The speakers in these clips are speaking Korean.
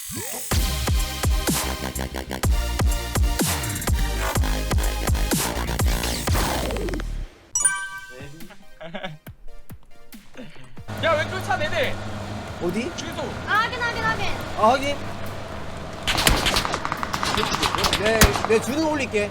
야 왼쪽 차 4대. 어디? 주유소. 확인. 아 확인. 내 주는 올릴게.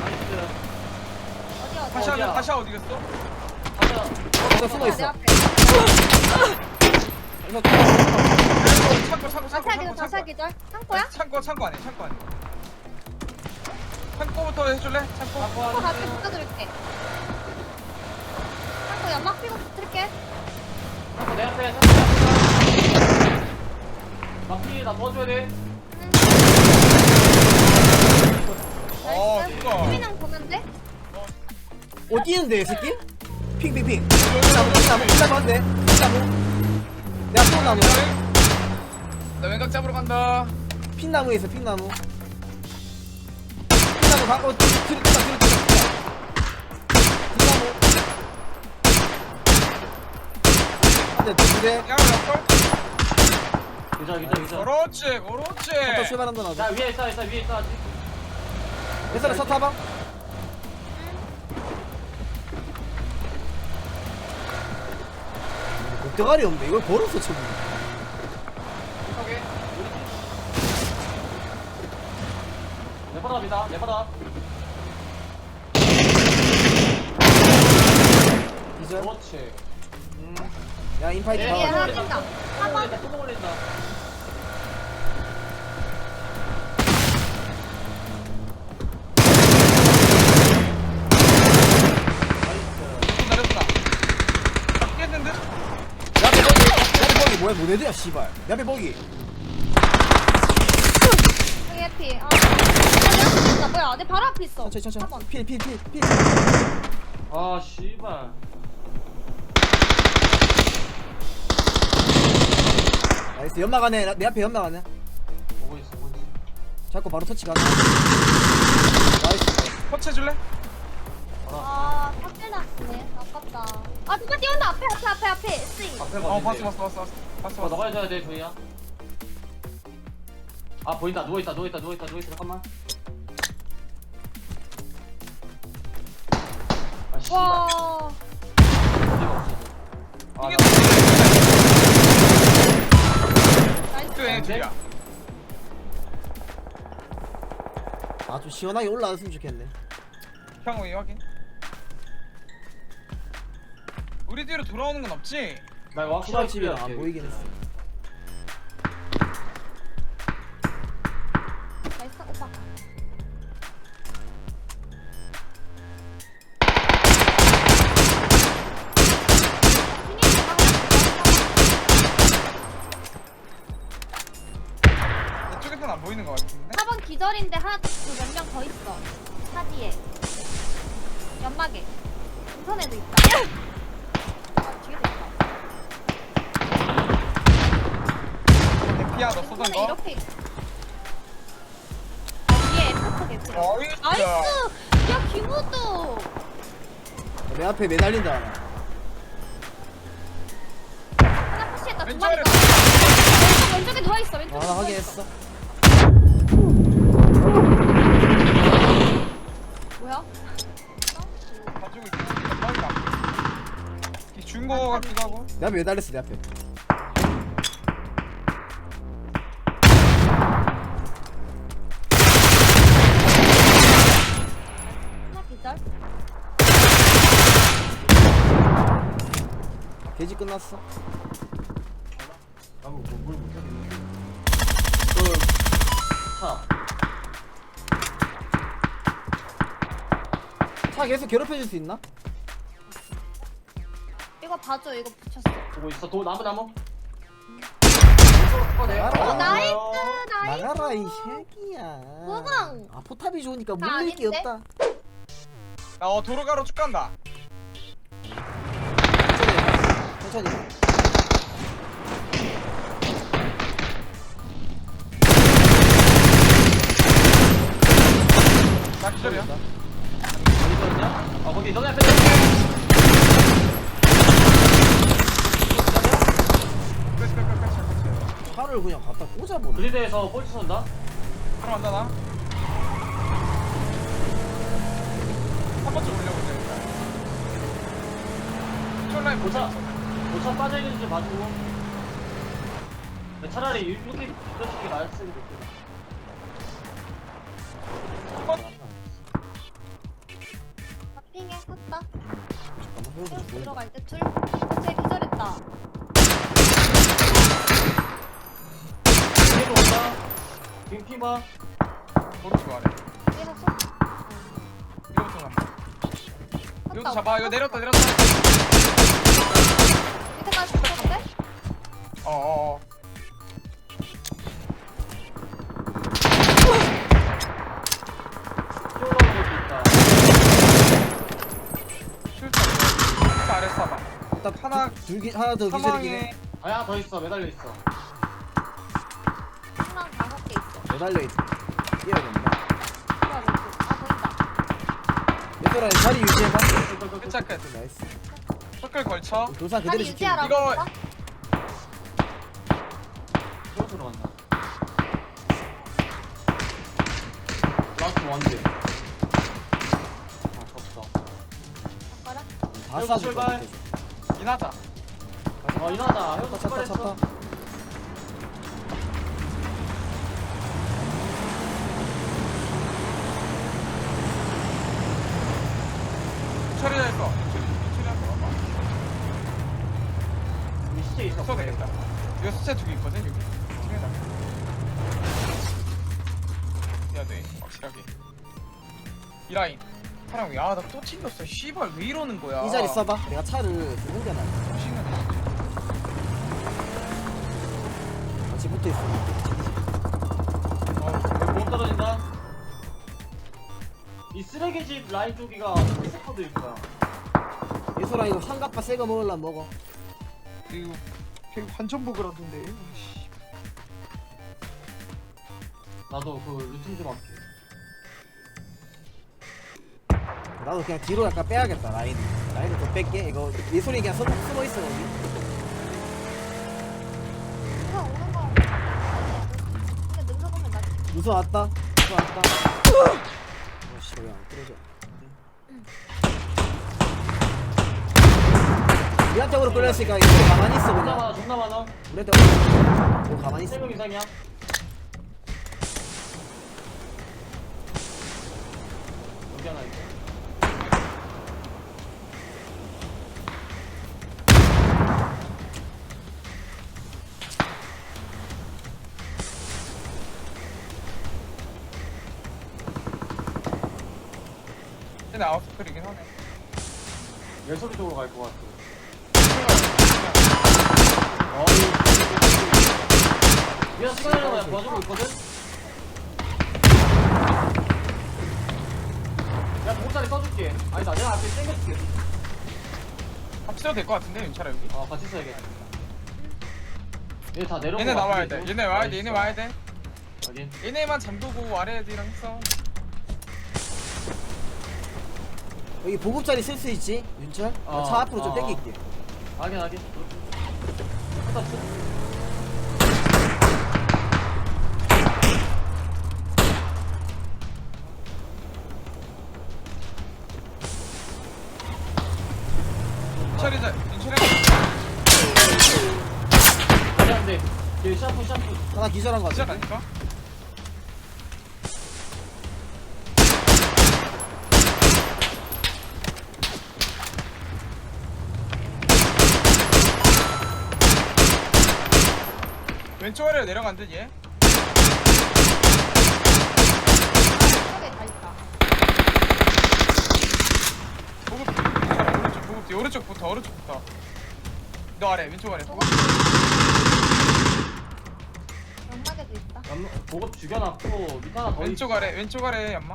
어디야? 다시 어디 갔어? 나 숨어 내 있어. 앞에. 창고. 다시 기절. 창고야? 창고 안에. 창고부터 해줄래? 창고. 창고 같이 붙여드릴게. 창고 연막 피고 붙을게. 내 앞에 막히 나 도와줘야 돼. 나이스. 그거. 수빈형 보면 돼? 어디 있는데 이 새끼? 핑. pin나무 한대. 내 앞에 나무. 나 왼각 잡으러 간다. 핑나무에 있어 핑나무. 핑나무 가. 뒤로 핑나무. 한대 두 대. 야 왼걸. 기절. 그렇지. 또 출발한다 나도. 야 위에 있어 아직. 회사를 차 타봐. 목대가리 없네. 이걸 걸어서 쳐보네. 오케이. 내 바닥입니다. 내 바닥. 기절. 그렇지. 야 인파이트 얘 나와. 하나 뛴다. 4번. 또 올린다. 기다렸다. 깼는데? 내 앞에 버기 뭐야 뭐네들야 씨발. 내 앞에 버기. 여기 해피. 아. 내 앞에 있다. 뭐야? 내 바로 앞에 있어. 천천히 4번. 필. 아 씨발. 나이스. 연막 안에 내 앞에 연막 안에. 보고 있어. 자꾸 바로 터치 가능. 나이스. 터치 해줄래? 아, 탑질 났네. 아깝다. 아, 누가 뛰어온다. 앞에. 쓰이. 앞에 봐. 봤어. 너가 해줘야 돼 조이야. 아 보인다. 누워있다. 잠깐만. 아 씨발. 와. 이게 나이스. 또 얘네 둘이야. 아좀 시원하게 올라왔으면 좋겠네. 형이 확인. 우리 뒤로 돌아오는 건 없지? 나 이거 시발 확실하게 집이랑 안 클리어할게. 보이긴 했어. 나이스, 오빠. 내 쪽에서는 안 보이는 것 같은데? 4번 기절인데 하나 몇 명 더 있어. 차 뒤에. 연막에. 우선에도 있다. 아, 뒤에도 있다. 대피야 너 쏘던 우선에 거? 이렇게. 위에 F4 개피. 나이스. 나이스! 야, 김우도! 내 앞에 매달린다 하나. 하나 푸시했다. 두 왼쪽에 마리 더. 왼쪽에 누워있어. 왼쪽에 하나 누워있어. 확인했어. 뭐야? 가지고 있지. 대박이다. 이 중고 같기도 하고. 내 앞에 매달렸어 내 앞에. 하나 기절. 게지 끝났어. 뭘 못하겠네. 차 계속 괴롭혀줄 수 있나? 이거 봐줘. 이거 붙였어. 보고 있어. 나무. 나가라. 나이스! 나이스! 나가라 이 새끼야. 도망! 아 포탑이 좋으니까 나 물릴 게 아닌데? 없다. 나 도로가로 쭉 간다. 천천히. 나 기절이야. 어디거든요? 아 거기 너네 앞에. 끝. 바로 이거를 그냥 갖다 꽂아버려. 그리드에서 꼴찌 선다. 바로 간다 나. 한 번쯤 올려보자 일단. 쫄라인 고차 보자. 고차 빠져있는지 봐주고. 근데 차라리 이렇게 이렇게 나을 수도 있겠다. 핑에 섰다. 잠깐만 쭉 소리 좀 들어갈 때 툴. 쟤 기절했다. 뒤로 온다. 지금 피봐. 오른쪽 아래. 얘가 쏘. 이거부터 간다. 이것도 섰다. 잡아. 이거 내렸다. 밑에까지 붙었는데? 어어어. 피 올라오는 것도 있다. 실수. 아래 싸봐. 일단 하나, 하나 더 기절이긴 사망에 해. 아야 더 있어. 매달려 있어. 하나 5개 있어. 매달려 있어. 뛰어야 된다. 뭐야, 왼쪽. 아, 보인다. 얘들아 자리 유지해봐. 끝. 나이스. 서클 걸쳐. 도산 그대로 다리 지키고. 유지하라고. 이거- 했어? 또 들어간다. 라스트 원드. 아 졌어. 젓가락? 다 여기서 쏴줄 거야. 출발. 이나자. 이나다. 형도 찼다 출발했어. 찼다. 처리했어. 처리했어. 봐봐. 여기 시체 있어. 써도 되겠다. 이거 수채 두 개 있거든 여기. 중에다. 해야 돼 확실하게. 이 라인. 사람 야나 또 튕겼어. 씨발 왜 이러는 거야? 이 자리 써봐. 내가 차를 두 군데 놔. 신기하네. 같이 붙어 있어. 못 떨어진다. 이 쓰레기집 라인 쪽이가 스포드일 거야. 예솔아 이거 삼각바 새거 먹으려면 먹어. 이거 완전 보그라던데. 나도 그 루틴 좀 할게. 나도 그냥 뒤로 약간 빼야겠다 라인. 라인을 좀 뺄게. 이거 예솔이 그냥 숨어 있어 여기. 그냥 오는 거. 근데 능선 오면 나 무서 왔다. 무서 왔다. 어씨 왜안 떨어져? 우리한테 오로 끌렸으니까 이거 가만히 있어 존나 그냥. 많아, 존나 많아. 우리한테 오로 가만히 있어. 3명 이상이야. 여기 하나 있어. 근데 아웃스크리긴 하네. 열소리 쪽으로 갈 것 같아. 미안, 시간을 그냥 도와주고 있거든? 야, 보급자리 써줄게. 아니다, 내가 앞에 땡겨줄게. 합치도 될 것 같은데 윤철아 여기. 같이 써야겠다. 얘 다 내려오고. 얘네 나와야 왔는데, 돼. 얘네 와야 돼. 얘네 와야 돼. 확인. 얘네만 잠그고 아래 애들이랑 했어. 여기 보급자리 쓸 수 있지 윤철? 어, 차 앞으로 좀 어, 당길게. 확인. 끝났어. 윤철이자 윤철이 안 돼. 얘 샴푸. 하나 기절한 거 같아. 시작하니까. 왼쪽 아래로 내려간듯 얘. 쪽에 다 있다. 보급 오른쪽부터. 너 아래 왼쪽 아래. 연막에도 있다. 보급 죽여놨고, 밑에 하나 더 왼쪽 아래 연마.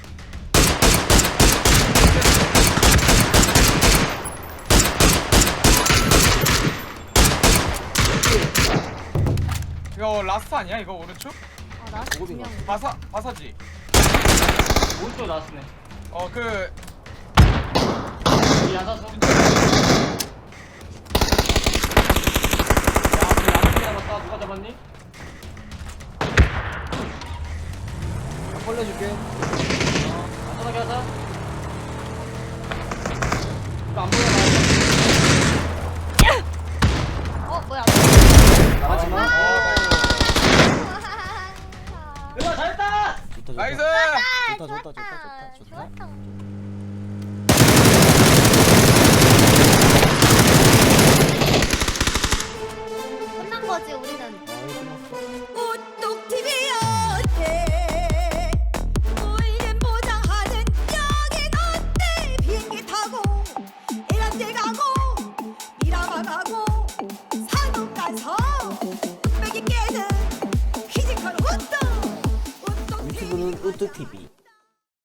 이거 라스트 아니야 이거 오른쪽? 나 보급인 것 두명 바사지. 오른쪽에 나왔으네. 그 이 야자수. 야, 앞에 야자수 잡았다. 누가 잡았니? 올려줄게. 안전하게 하자. 이거 안 보여 나. 뭐야? 나가지 마. 일로 잘했다. 좋다, 좋다. 나이스. 좋다. 끝난 거지 우리는. 우뚝TV한테 울림 보장하는 여긴 어때 비행기 타고 이란데 가고 미라마 가고 산업 가서 뚝배기 깨는 피지컬 우뚝 유튜브는 우뚝TV.